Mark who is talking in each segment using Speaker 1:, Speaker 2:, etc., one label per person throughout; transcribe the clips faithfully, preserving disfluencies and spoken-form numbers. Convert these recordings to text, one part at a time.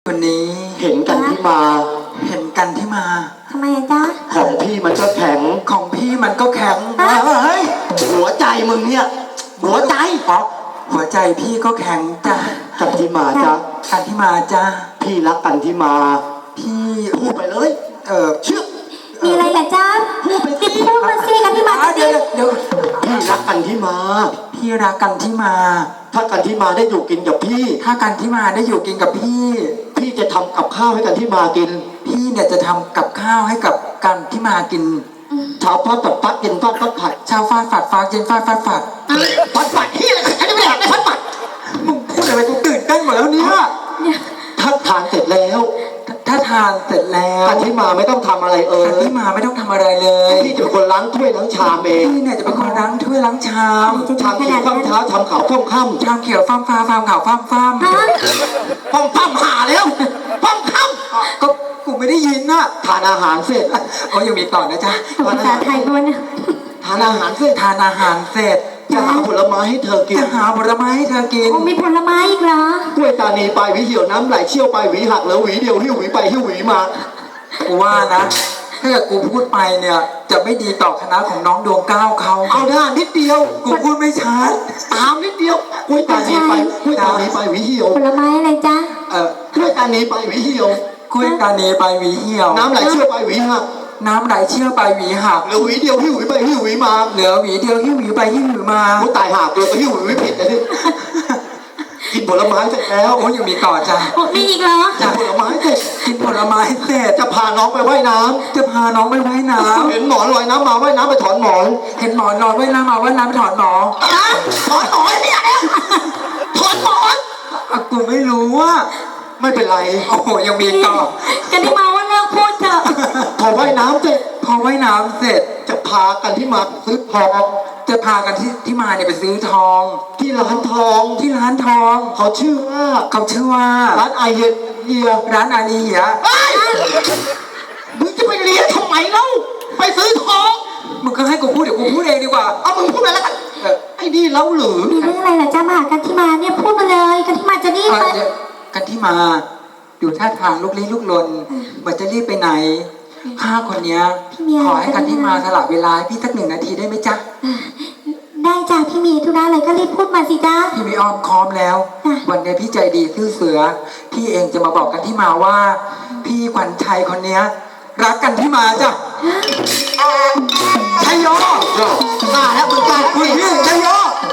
Speaker 1: วันนี้
Speaker 2: เห็นกันที่มา
Speaker 1: เห็นกันที่มา
Speaker 3: ทำไมจ๊ะ
Speaker 2: ของพี่มันก็แข็ง
Speaker 1: ของพี่มันก็แข็ง
Speaker 2: เฮ้ยหัวใจมึงเนี่ยหัวใจ
Speaker 1: อ๋อหัวใจพี่ก็แข็งจ้ะ
Speaker 2: กันที่มาจ้ะ
Speaker 1: กันที่มาจ้ะ
Speaker 2: พี่รักกันที่มา
Speaker 1: พี่
Speaker 2: พูดไปเลย
Speaker 1: เออ
Speaker 2: เชื่อ
Speaker 3: มีอะไรเหรอจ๊ะพูดไปสิพูดมาสิกันที่มา
Speaker 1: เดี๋ยวเดี๋ยว
Speaker 2: พี่รักกันที่มา
Speaker 1: พี่รักกันที่มา
Speaker 2: ถ้ากันที่มาได้อยู่กินกับพี่
Speaker 1: ถ้ากันที่มาได้อยู่กินกับพี่
Speaker 2: พี่จะทำกับข้าวให้กันที่มากิน
Speaker 1: พี่เนี่ยจะทำกับข้าวให้กับกันที่มากิน
Speaker 2: เช้าฟาดฝัดฟัดเย็นฟาดฟัดผัด
Speaker 1: เช้าฟาดฝัดฟัดเย็นฟาดฟัดผัด
Speaker 2: ฟัดฝัดที่อะไรกันไม่ได้ฟัดฝัด
Speaker 1: มึงพูดอะไรกูตื่นเต้นหมดแล้วเนี่ย
Speaker 2: ถ้าทานเสร็จแล้ว
Speaker 1: ถ้าทานเสร็จแล้ว
Speaker 2: กันที่มาไม่ต้องทำอะไรเออ
Speaker 1: กันที่มาไม่ต้องทำอะไรเลย
Speaker 2: พี่จะเป็นคนล้างถ้วยล้างชามเอง
Speaker 1: พี่เนี่ยจะเป็นคนล้างถ้วยล้างชาม
Speaker 2: ชามเขียวข้ามเท้าชามขาวข้ามค่ำ
Speaker 1: ชามเขียวฟ้ามฟ้าฟ้ามขาวฟ้ามฟ้าม
Speaker 2: ฟ้ามฟ้ามหาแล้วฟ้ามค่
Speaker 1: ำก็กูไม่ได้ยินน่ะ
Speaker 2: ทานอาหารเสร็จ
Speaker 1: โอ้ยังมีต่อนะจ๊ะ
Speaker 3: ภาษาไทยด้วยนะ
Speaker 2: ทานอาหารเสร็จ
Speaker 1: ทานอาหารเสร็จ
Speaker 2: จะหาผลไม้ให้เธอกิน
Speaker 1: จะหาผลไม้ให้เธอกิน
Speaker 3: โอ้มีผลไม้อีกเหร
Speaker 2: อกล้วยตานีไปหวีเหี่ยวน้ำไหลเชี่ยวไปหวีหักแล้วหวีเดียวหิ้วหวีไปหิ้วหวีมา
Speaker 1: กูว่านะถ้าเกิดกูพูดไปเนี่ยจะไม่ดีต่อคณะของน้องดวงก้าวเขา
Speaker 2: เอาได้นิดเดียว
Speaker 1: กูพูดไม่ชัด
Speaker 2: ตามนิดเดียวกล้วยตานีไปกล้วยตานีไปหวีเหี่ยว
Speaker 3: ผลไม้อะไรจ๊ะ
Speaker 1: เอ
Speaker 2: อกล้วยตานีไปหวีเหี่ยว
Speaker 1: กล้วยตานีไปหวีเหี่ยว
Speaker 2: น้ำไหลเชี่ยวไปหวีหัก
Speaker 1: น้ำไหลเชี่ยวไปหวีหัก
Speaker 2: เหลือหวีเดียวหิ้วหวีไปหิ้วหวีมา
Speaker 1: เหลือหวีเดียวหิ้วหวีไปหิ้วหวีมา
Speaker 2: กูตายหักตัวก็หิ้วหวีผิดเลยที่กินผลไม้เสร็จแล้ว
Speaker 1: โอ้ยังมีต่อจ้ะ
Speaker 3: มีอีกเหรอ
Speaker 2: กินผลไม้เสร็จ
Speaker 1: กินผลไม้เสร็จ
Speaker 2: จะพาน้องไปว่ายน้ำ
Speaker 1: จะพาน้องไปว่ายน้ำ
Speaker 2: เห็นหมอนลอยน้ำมาว่ายน้ำไปถอนหมอน
Speaker 1: เห็นหมอนลอยว่ายน้ำมาว่ายน้ำไปถอนหมอน
Speaker 2: ถอนหมอนเนี่ยถอนหมอน
Speaker 1: กูไม่รู้ว่า
Speaker 2: ไม่เป็นไร
Speaker 1: โอ้โหยังมีต่อ
Speaker 3: กันที่มาว่าเลิกพูดเถอะ
Speaker 2: พอว่ายน้ำเสร็จ
Speaker 1: พอว่ายน้ำเสร็จ
Speaker 2: จะพากันที่มาซื้อทอง
Speaker 1: จะพากันที่ที่มาเนี่ยไปซื้อทอง
Speaker 2: ที่ร้านทอง
Speaker 1: ที่ร้านทอง
Speaker 2: เขาชื่อว่า
Speaker 1: เขาชื่อว่า
Speaker 2: ร้านไอเฮียเฮีย
Speaker 1: ร้านอาลีเฮีย
Speaker 2: มึงจะไปเรียนทำไมเล่าไปซื้อทอง
Speaker 1: มึงก็ให้กูพูดเดี๋ยวกูพูดเองดีกว่า
Speaker 2: เอามึงพูดไปแล้วกันไอ้นี่เล่าหรือ
Speaker 3: มีเรื่องอะไรล่ะจ้ามากันที่มาเนี่ยพูดมาเลยกันที่มาจะรีบไป
Speaker 1: กันที่มาอยู่ท่าทางลุกลี้ลุกลนเหมือนจะรีบไปไหนข้าคนเนี้ยขอให้กันที่มาสละเวลาพี่สักหนึ่งนาทีได้ไหมจ๊ะ
Speaker 3: ได้จ้าพี่มีธุระอะไรก็รีบพูดมาสิจ้า
Speaker 1: พี่มีอ้อมค้อมแล้ววันนี้พี่ใจดีซื่อเสือพี่เองจะมาบอกกันที่มาว่าพี่ขวัญชัยคนเนี้ยรักกันที่มาจ้ะชัยโย
Speaker 2: มาแล้วมึงกัน
Speaker 1: คุณพี่ชัยโย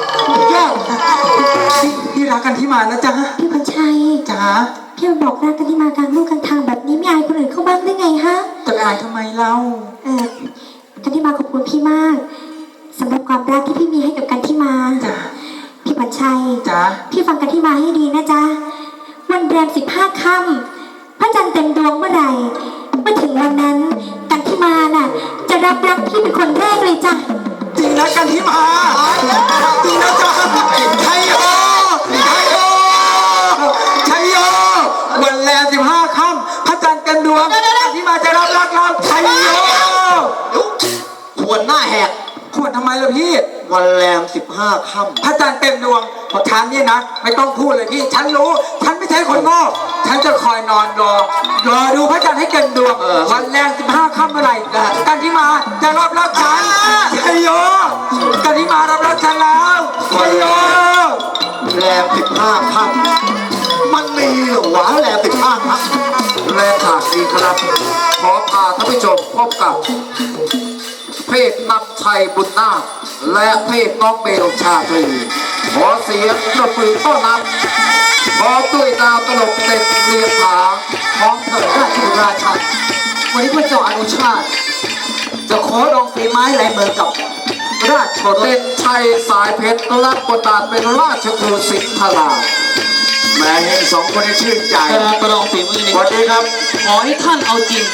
Speaker 1: พี่รักกันที่มานะจ๊ะ
Speaker 3: พี่ขวัญชัย
Speaker 1: จ๋า
Speaker 3: พี่บอกรักกันที่มากลางลูกกลางทางแบบนี้ไม่อายคนอื่นเข้าบ้างได้ไงฮะ
Speaker 1: จะอายทำไมเล่า
Speaker 3: เออกันที่มาขอบคุณพี่มากสำหรับความรักที่พี่มีให้กับกันที่มา
Speaker 1: จ้ะ
Speaker 3: พี่ขวัญชัย
Speaker 1: จ้ะ
Speaker 3: พี่ฟังกันที่มาให้ดีนะจ๊ะวันแรมสิบห้าค่ำพระจันทร์เต็มดวงเมื่อไหร่เมื่อถึงวันนั้นกันที่มาน่ะจะรับรักพี่เป็นคนแรกเลยจ้ะ
Speaker 1: จริงนะกันที่มาจริงนะจ๊ะชัยโยชัยโยชัยโยวันแรมสิบห้าค่ำพระจันทร์เต็มดวงกันที่มาจะรับรักเราชัยโย
Speaker 2: ควรหน้าแหก
Speaker 1: ควรทำไมล่ะพี่
Speaker 2: วันแรมสิบห้าค่
Speaker 1: ำพระจันทร์เต็มดวงพอฉันเนี่ยนะไม่ต้องพูดเลยพี่ฉันรู้ฉันไม่ใช่คนโง่ฉันจะคอยนอนรอรอดูพระจันทร์ให้เต็มดวงวันแรมสิบห้าค่ำเมื่อไหร่กันที่มาจะรับรักฉันชัยโยกันที่มารับรักฉันแล้วชัยโย
Speaker 2: แรมสิบห้าค่ำมันมีหรอวะแรมสิบห้าค่
Speaker 4: ำและฉากนี้ครับขอพาท่านผู้ชมพบกับเพศนำชัยบุญนาคและเพศน้องเบลชาตรีขอเสียงปรบมือต้อนรับพร้อมด้วยดาวตลกเต็มเรียงผาของเถิดราชบุตรราชันวันนี้พระเจ้าอนุชาติจะขอลองฝีไม้ลายมือกับราชโอรสชัยสายเพชรรับบทบาทเป็นราชครูสิงห์รา
Speaker 2: แม่เห็นสองคนนี้ชื่นใจ
Speaker 4: ประลองฝีมือ
Speaker 2: สวัสดีครับ
Speaker 4: ขอให้ท่านเอาจริง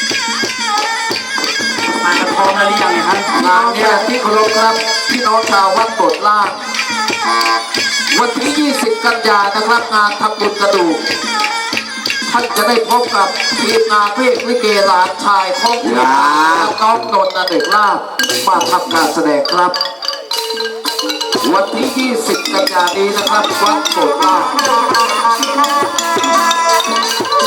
Speaker 2: มาพร้อมแล้วหรือยังเนี่ยครับ
Speaker 4: งานนี้ที่เคารพครับพี่น้องชาววัดโบสถ์ล่างวันที่ยี่สิบกันยายนนะครับงานทำบุญกระดูกท่านจะได้พบกับทีมงานเพลงลิเกหลานชายของพี่น้องนนท์อเนกลาภมาทำการแสดงครับวันที่ยี่สิบกันยายนนี้นะครับวัดโบสถ์ล่าง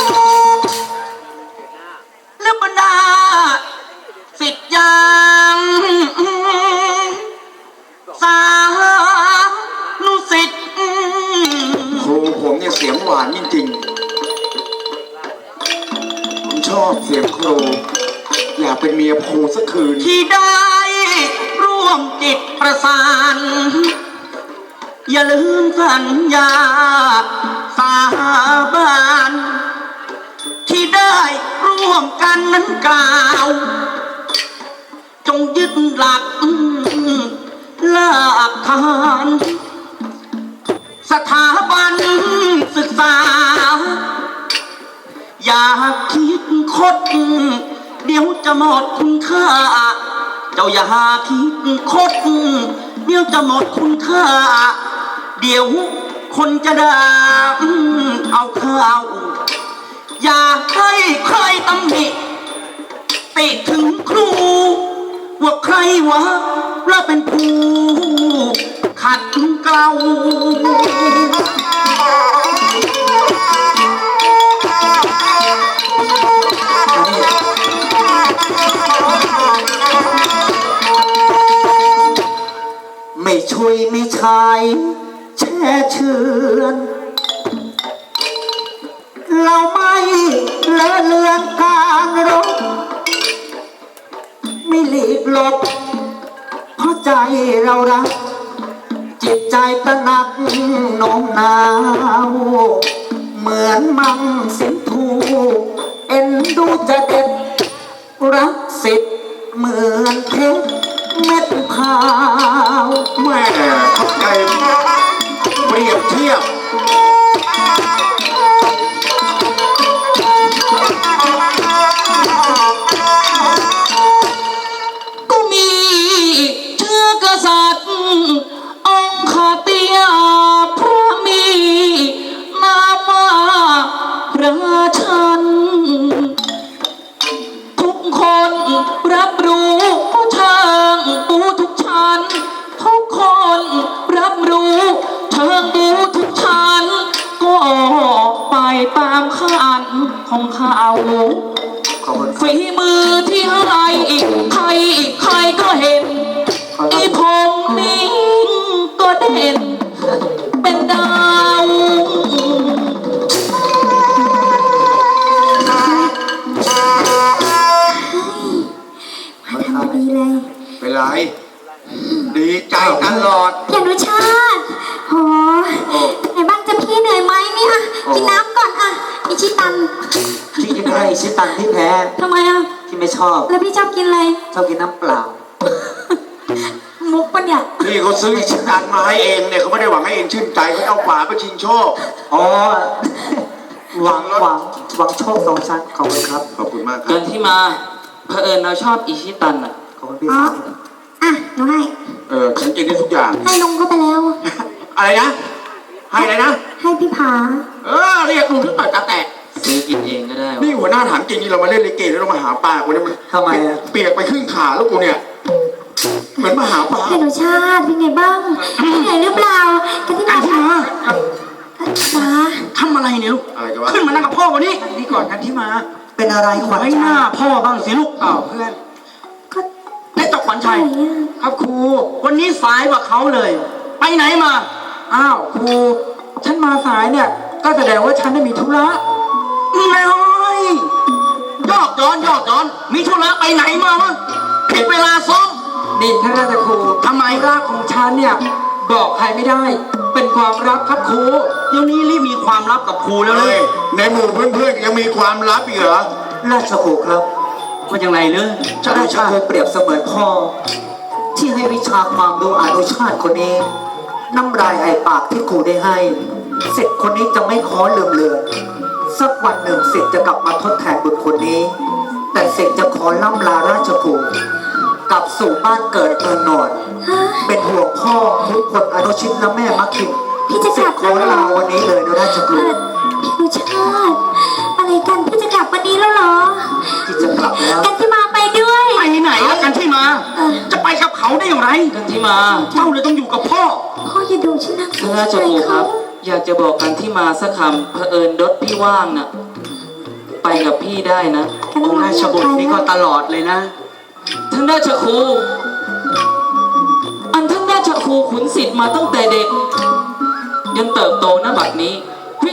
Speaker 2: อบเสียงครู อยากเป็นเมียครูสักคืน
Speaker 5: ที่ได้ร่วมจิตประสาน อย่าลืมสัญญาสาบานที่ได้ร่วมกันนั้นกล่าว จงยึดหลักหลักฐานสถาบันศึกษา อย่าคิดคดเดี๋ยวจะหมดคุณค่า เจ้าอย่าคิดคดเดี๋ยวจะหมดคุณค่า เดี๋ยวคนจะด่าเอาข้าวอย่าให้ใครตำหนิติถึงครู ว่าใครวะเราเป็นผู้ขัดเกลา
Speaker 2: ไม่ช่วยไม่ชายแช่เชือนเราไม่เลอะเลือนการรบไม่หลีกหลบเพราะใจเรารัก จิตใจตระหนักโน้มน้าวเหมือนมังสินทูเอ็นดูจะเด็ดรักสิทธิ์เหมือนเพชรเม็ดพร้าวแม่เข้าใจเปรียบเทียบ
Speaker 5: ก็มีเชื้อกษัตริย์องค์ขาเตียพระมีนามว่าพระชัน ทุกคนรับรู้ผู้ช่างปูทุกชั้นทุกคนรับรู้เชิงดูทุกชั้นก็ไปตามขันของเขาฝีมือที่ให้ใครใครก็เห็นอีพงนี้ก็เด่นเป็นดาว
Speaker 3: มาทำพอดีเลย
Speaker 2: เป็นไร ดีใจตลอด
Speaker 3: พี่อนุชาติโหเป็นไงบ้างจะพี่เหนื่อยไหมเนี่ยกินน้ำก่อนอ่ะอิชิตัน
Speaker 1: พี่กินอะไรชิตันที่แพ้
Speaker 3: ทำไมอ่ะ
Speaker 1: ที่ไม่ชอบ
Speaker 3: แล้วพี่ชอบกินอะไร
Speaker 1: ชอบกินน้ำเปล่า
Speaker 3: มุกปะเนี่ย
Speaker 2: นี่เขาซื้อชิ้นดันมาให้เองเนี่ยเขาไม่ได้หวังให้เองชื่นใจเขาเอาฝาไปชิงโชค
Speaker 1: อ๋อ หวังหวังหวังโชคสองชั้นขอบคุณครับ
Speaker 2: ขอบคุณมากค
Speaker 5: เกิ
Speaker 2: รับ
Speaker 5: นที่มาเผอิญเราชอบอิชิตันอ่ะ
Speaker 1: ขอบคุณพี่
Speaker 3: อ๋อ
Speaker 1: สาว
Speaker 3: อ่ะหนูให้
Speaker 2: เออฉันกินได้ทุกอย่าง
Speaker 3: ให้ลุงเข้าไปแล้ว
Speaker 2: อะไรนะ ให้อะไรนะ
Speaker 3: ให้พี่ผา
Speaker 2: เออเรียกลุงที่ต่อยตาแตก
Speaker 5: ซื้อกินเองก็ได้วะ
Speaker 2: นี่หัวหน้าถามจริงนี่เรามาเล่นลิเกแล้วเรามาหาปลากูเนี่ยมัน
Speaker 1: ทำไมอะ
Speaker 2: เปียกไปครึ่งขาแล้วกูเนี่ย เหมือนมาหาปลา
Speaker 3: พี่อนุชาติเป็นไงบ้างพี่เหนื่อยหรือเปล่ากันที่
Speaker 5: ไอ้
Speaker 3: มา
Speaker 5: ที่มา
Speaker 3: จ๋า
Speaker 5: ทำอะไรเนี่ยลูก
Speaker 2: อะไรกันวะ
Speaker 5: ขึ้นมานั่งกับพ่อวันนี้
Speaker 1: นี่ก่อนกันที่มา เป็นอะไรขวัญ
Speaker 5: ไว้ห
Speaker 1: ใจ
Speaker 5: น้าพ่อบ้างสิลูก
Speaker 1: อ้าวเพื่อน
Speaker 3: ก็
Speaker 5: ได้ตกขวัญ
Speaker 3: ไหน
Speaker 5: ชัย
Speaker 3: อ่ะ
Speaker 1: ครับครู
Speaker 5: วันนี้สายกว่าเขาเลย ไปไหนมา
Speaker 1: อ้าวครู ฉันมาสายเนี่ย ก็แสดงว่าฉันได้มีธุระ
Speaker 5: ไม่ยอกย้อนยอกย้อน มีธุระไปไหนมาวะผิดเวลาซ้อม
Speaker 1: นี่ท่านราชครู
Speaker 5: ทำไม
Speaker 1: รักของฉันเนี่ย บอกใครไม่ได้ เป็นความรักครับครู
Speaker 5: เดี๋ยวนี้รีบมีความลับกับครูแล้วเล
Speaker 2: เฮ้
Speaker 5: ย
Speaker 2: ยในหมู่เพื่อนๆยังมีความลับอีกเหรอ
Speaker 1: ราชครูครับ
Speaker 5: ว่าอย่างไรเลย
Speaker 1: ราชครูเปรียบเสมือนพ่อ ที่ให้วิชาความรู้อนุชาติคนนี้ น้ำลายไอปากที่ครูได้ให้สิทธิ์คนนี้จะไม่ขอลืมเลือนสักวันหนึ่งสิทธิ์จะกลับมาทดแทนบุญคนนี้ แต่สิทธิ์จะขอล่ำลาราชครูกลับสู่บ้านเกิดเมืองนอน
Speaker 3: ฮะ
Speaker 1: เป็นห่วงพ่อทุกคนอนุชิตและแม่มักคิม
Speaker 3: พี่จะกลับ
Speaker 1: ขอลาวันนี้เลยนะราชค
Speaker 3: เอ
Speaker 1: รู
Speaker 3: อพี่อนุชาติอะไรกันพี่จะกลับวันนี้แล้วเหรอ
Speaker 1: ที่จะกลับแล้ว
Speaker 3: กันที่มาไปด้วย
Speaker 5: ไปไหนแล้วกันที่มา
Speaker 3: เออ
Speaker 5: จะไปกับเขาได้อย่างไร กันที่มา เจ้าเลยต้องอยู่กับพ่อ
Speaker 3: พ่ออย่าดูฉันนะ
Speaker 5: ท่านราชครูครับ อยากจะบอกกันที่มาสักคำเผอิญรถพี่ว่างน่ะ ไปกับพี่ได้นะ
Speaker 3: กัน
Speaker 5: องค์ราชบุตรนี่ก็ตลอดเลยนะ ท่านราชครู อันท่านราชครูขุนศิษย์มาตั้งแต่เด็ก ยันเติบโตณบัดนี้ วิ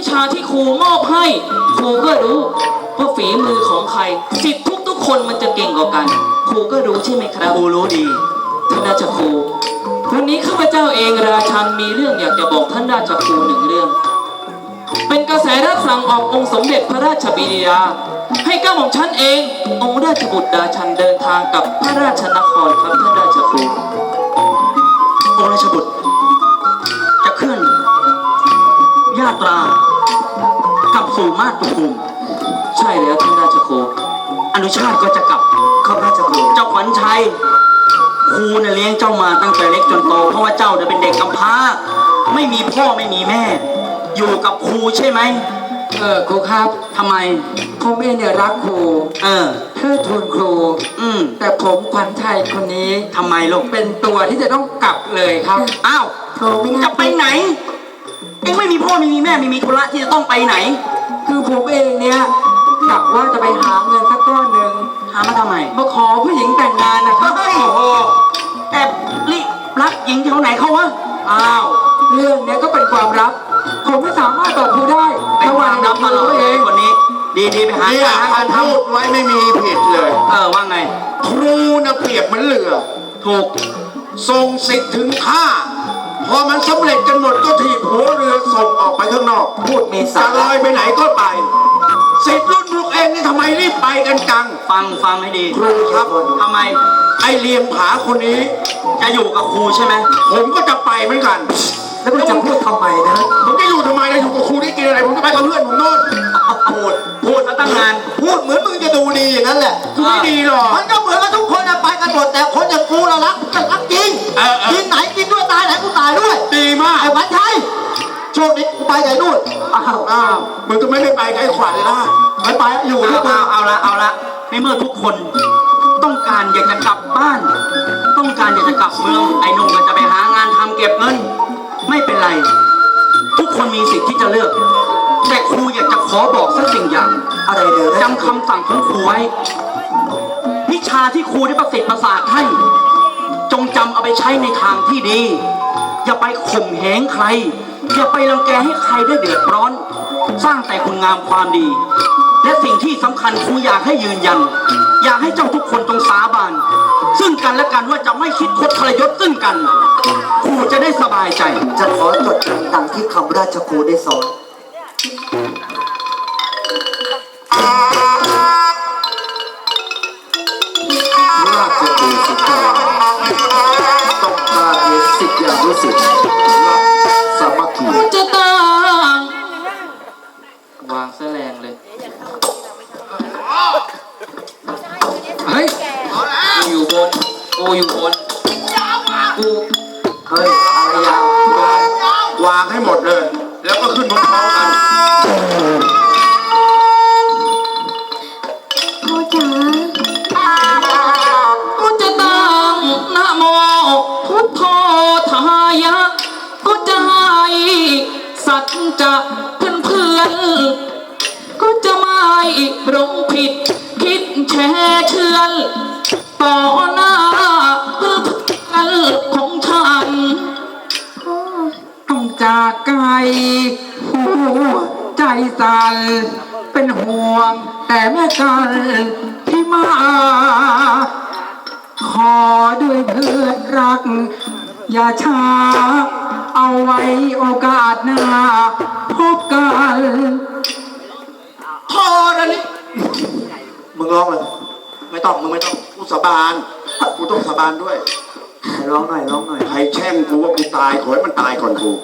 Speaker 6: ชาที่ครูมอบให้ครูก็รู้ว่าฝีมือของใครสิทธิ์ทุกทุกๆคนมันจะเก่งกว่ากันครูก็รู้ใช่ไหมครับ
Speaker 5: ครูรู้ดี
Speaker 6: ท่านราชครูวันนี้ข้าพเจ้าเองราชันมีเรื่องอยากจะบอกท่านราชครูหนึ่งเรื่อง เป็นกระแสรับสั่งออกองค์สมเด็จพระราชบิดาให้ก้าของฉันเององค์ราชบุตรราชันเดินทางกับพระราชนครครับท่านราชครู
Speaker 5: องค์ราชบุตรจะเคลื่อนญาตรากลับสู่มาตุภูมิ
Speaker 6: ใช่แล้วท่านราชครู
Speaker 5: อนุชาติก็จะกลับ
Speaker 2: ข้าพระเจ้าครู
Speaker 5: เจ้าขวัญชัยครูเนี่ยเลี้ยงเจ้ามาตั้งแต่เล็กจนโตเพราะว่าเจ้าเนี่ยเป็นเด็กกำพร้าไม่มีพ่อไม่มีแม่ อยู่กับครูใช่ไหม
Speaker 1: เออครูครับ
Speaker 5: ทำไม
Speaker 1: ผมเองเนี่ยรักครู
Speaker 5: เออ
Speaker 1: เทิดทูนครู
Speaker 5: อืม
Speaker 1: แต่ผมขวัญชัยคนนี้
Speaker 5: ทำไมลูก
Speaker 1: เป็นตัวที่จะต้องกลับเลยครับ
Speaker 5: อ้าว
Speaker 3: โทรไม่น่า
Speaker 5: จะไปไหนเอ็งไม่มีพ่อไม่มีแม่ไม่มีธุระที่จะต้องไปไหน
Speaker 1: คือผมเองเนี่ยกะว่าจะไปหาเงินสักก้อนหนึ่ง
Speaker 5: หามาทำไม
Speaker 1: มาขอผู้หญิงแต่งงานนะครับ
Speaker 5: เฮ้ย
Speaker 1: โอ้โห
Speaker 5: แต่ลิรักหญิงแถวไหนเขาวะ
Speaker 1: อ้าวเรื่องเนี้ยก็เป็นความลับ ผมไม่สามารถบอกครูได้
Speaker 5: เป็น
Speaker 1: ระห
Speaker 5: ค
Speaker 1: ว่าว
Speaker 5: าง มลับมาหลอก
Speaker 1: ตัวเอง
Speaker 5: คนนี้ ดีดีๆไปหา
Speaker 4: เนี่ย
Speaker 5: หา
Speaker 4: เขา
Speaker 5: การท
Speaker 4: พูดไว้ไม่มีผิดเลย
Speaker 5: ำเออว่าไง
Speaker 4: ครูนะเปรียบเหมือนเรือ
Speaker 5: ถูก
Speaker 4: ส่งสิทธิ์ถึงท่า พอมันสำเร็จกันหมดก็ถีบหัวเรือส่งออกไปข้างนอก
Speaker 2: พูดมีสา
Speaker 4: จะล
Speaker 2: ระ
Speaker 4: อยไปไหนก็ไป สิทธิ์รุ่นพวกเองนี่ทำไมรีบไปกันจัง
Speaker 5: ฟังฟังให้ดี
Speaker 4: ครูครับ
Speaker 5: ทำไม
Speaker 4: ไอเลียงผาคนนี้
Speaker 5: จะอยู่กับครูใช่ไหม
Speaker 4: ผมก็จะไปเหมือนกัน
Speaker 2: แล้วมึงจะพูดทำไมนะ
Speaker 4: ผมจะอยู่ทำไมนะอยู่กับครูได้กินอะไร ผมจะไปกับเพื่อนผมโน่น
Speaker 5: พูดพูดมาตั้งนาน
Speaker 2: พูดเหมือนมึงจะดูดีอย่างนั้นแหละ
Speaker 4: กูไม่ดีหรอก
Speaker 2: มันก็เหมือนกับทุกคนนะไปกันหมดแต่คนอย่างกูเรารักกันรักจริง
Speaker 4: เออเออ
Speaker 2: กินไหนกินด้วยตายไหนกูตายด้วย
Speaker 4: ดีมาก
Speaker 2: ไอ้ขวัญชัยโชคดีกูไปไหนนู่นอ้าว
Speaker 4: อ้าวมึงก็ไม่ได้ไปกับไอ้ขวัญล่ะ
Speaker 2: ไปไปอยู่
Speaker 5: เอา
Speaker 2: ที่กู
Speaker 5: เอาเอาละเอาละในเมื่อทุกคนต้องการอยากจะกลับบ้าน ต้องการอยากจะกลับเมืองไอ้หนุ่มก็จะไปหางานทำเก็บเงิน ไม่เป็นไร ทุกคนมีสิทธิ์ที่จะเลือก แต่ครูอยากจะขอบอกสักสิ่งอย่าง
Speaker 2: อะไรเดี๋ยวนะ
Speaker 5: จำคำสั่งของครูไว้วิชาที่ครูได้ประสิทธิ์ประสาทให้ จงจำเอาไปใช้ในทางที่ดี อย่าไปข่มเหงใคร อย่าไปรังแกให้ใครได้เดือดร้อน สร้างแต่คุณงามความดี และสิ่งที่สำคัญครูอยากให้ยืนยัน อยากให้เจ้าทุกคนจงสาบานซึ่งกันและกันว่าจะไม่คิดคดทรยศซึ่งกัน ครูจะได้สบายใจ
Speaker 2: จะขอจดจำตามที่คำราชครูได้สอน
Speaker 4: ราชบุตรสิทธิ์ต้องการเห็นสิทธิ์อย่างรู้สึกรักสามัคคี
Speaker 6: จะต้องวางแสลงเลย
Speaker 1: เฮ้ย
Speaker 6: กูอยู่บนกูอยู่บนกู
Speaker 2: เฮ้ยอะไรยาว
Speaker 4: วางให้หมดเลย แล้วก็ขึ้นพร้อมๆกัน
Speaker 3: พ่อจ๋า
Speaker 6: กูจะตั้งนะโมพุทโธทายะกูจะให้สัจจะเพื่อนเพื่อนๆกูจะไม่หลงผิดคิดแช่เชือนต่อหน้าเพื่อนๆของฉัน
Speaker 3: พ่อ
Speaker 1: ต้องจากไกลหัวใจสั่นเป็นห่วง แต่แม่กันที่มา ขอด้วยเพื่อนรัก อย่าช้า เอาไว้โอกาสหน้า พบกัน
Speaker 4: พอแล้วนี่มึงร้องเลย ไม่ต้อง มึงไม่ต้อง กูสาบาน กูต้องสาบานด้วย
Speaker 2: ร้องหน่อยร้องหน่อย
Speaker 4: ใครแช่งกูว่ากูตาย ขอให้มันตายก่อนกู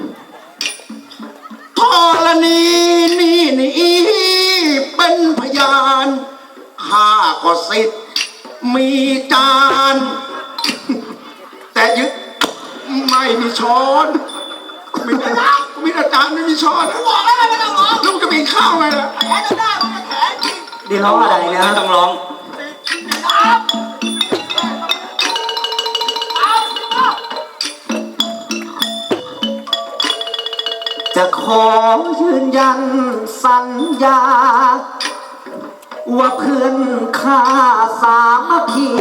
Speaker 4: ธรณีนี่นี่เป็นพยานข้าก็สิทธิ์มีจาน แต่ยึดไม่มีช้อนมีแต่มีแต่จานไม่มีช้อนลูกจะมีข้าวไงล่ะ
Speaker 2: ดีร้องอะไรนะ
Speaker 5: ไม่ต้องร้อง
Speaker 2: จะขอยืนยันสัญญา ว่าเพื่อนข้าสามัคคี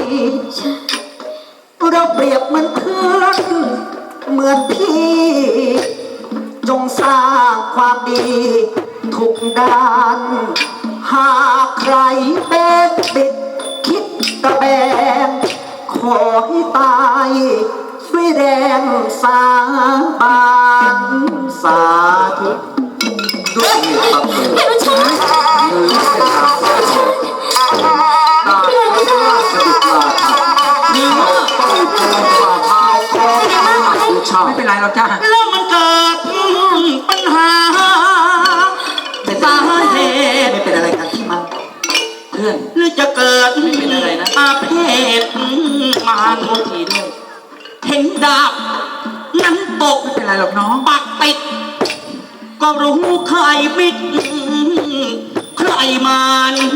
Speaker 2: เราเปรียบเหมือนเพื่อน เหมือนพี่จงสร้างความดีทุกด้าน หากใครเป็นบิดคิดตะแบงขอให้ตายด้วยแรงสาบานสาธุ
Speaker 4: ด้วยเหตุบังเอิญ
Speaker 3: พี่อนุชา
Speaker 4: หรือเป็นการแสดงตามพระราชบิดาค่ะนี่ต้องเกินฝ่าเท้าของอนุชา
Speaker 1: ไม่เป็นไรหรอกจ้า
Speaker 5: แล้วมันเกิดปัญหาสาเหตุ
Speaker 2: ไม่เป็นอะไรกันที่มัน
Speaker 6: เพื่อน
Speaker 5: หรือจะเกิด
Speaker 6: ไม่เป็นอะไรนะ
Speaker 5: อาเพศมาน
Speaker 6: โทษทีด้วย
Speaker 5: เห็นดาบนั้นตก
Speaker 1: ไม่เป็นไรหรอกน้อง
Speaker 5: ปักติดก็รู้ใครมิดใครมาน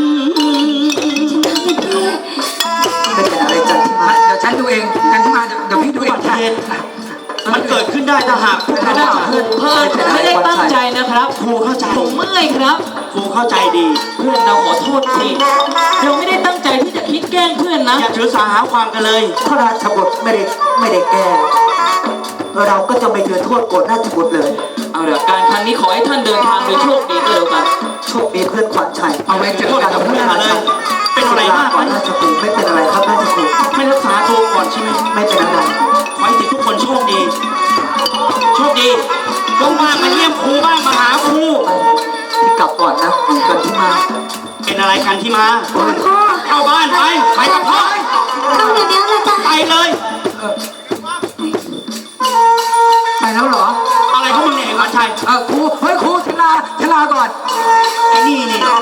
Speaker 2: ไม่เป็นอะไรกันที่มัน
Speaker 1: เดี๋ยวฉันดูเองกันที่มาเดี๋ยวเดี๋ยวพี่ดูเองจ้ะ
Speaker 5: มันเกิดขึ้นได้ถ้าหากพวก
Speaker 6: ไม่
Speaker 5: เรา
Speaker 6: ได้เพื่อนเพื่อนไม่ได้ตั้งใจนะครับ
Speaker 5: ครูเข้าใจ
Speaker 6: ผมเมื่อยครับ
Speaker 5: ครูเข้าใจดี
Speaker 6: เพื่อนเราขอโทษทีเราไม่ได้ตั้งใจที่จะคิดแกล้งเพื่อนนะ
Speaker 5: อย่าถือสาหาความกันเลย
Speaker 2: พระราชบุตรไม่ได้ไม่ได้แก้เราก็จะไม่ถือโทษโกรธราชบุตรเลย
Speaker 6: เอาเดี๋ยวการครั้งนี้ขอให้ท่านเดินทางโดยโชคดีก็แล้วกัน
Speaker 2: โชคดีเพื่อนขวัญชัย
Speaker 1: เอาไว้เจอกันกับ
Speaker 5: เพื่
Speaker 1: เพื่
Speaker 5: อ
Speaker 1: อน น
Speaker 5: มาเลย เป็นอะไรมากไหม
Speaker 2: ราชบุตรไม่เป็นอะไรครับราชบุตร
Speaker 5: ไม่รักษาตัวก่อนใช่ไหม
Speaker 2: ไม่เป็นอะไร
Speaker 5: ขอให้ทุกคนโชคดี โชคดีว่างๆมาเยี่ยมครูบ้างมาหาครู
Speaker 2: ที่กลับก่อนนะกันที่มา
Speaker 5: เป็นอะไรกันที่มา
Speaker 3: พ่อ
Speaker 5: เข้าบ้านไป ไปกับพ่อ
Speaker 3: เข้าเดี๋ยวนี้เลยจ้ะ
Speaker 5: ไปเลย
Speaker 1: ไปแล้วเหรอ
Speaker 5: อะไรของมึงเนี่ยเอกวันชัย
Speaker 1: เออครูเฮ้ยครูชลาชลาก่อน
Speaker 5: ไอ้นี่นี่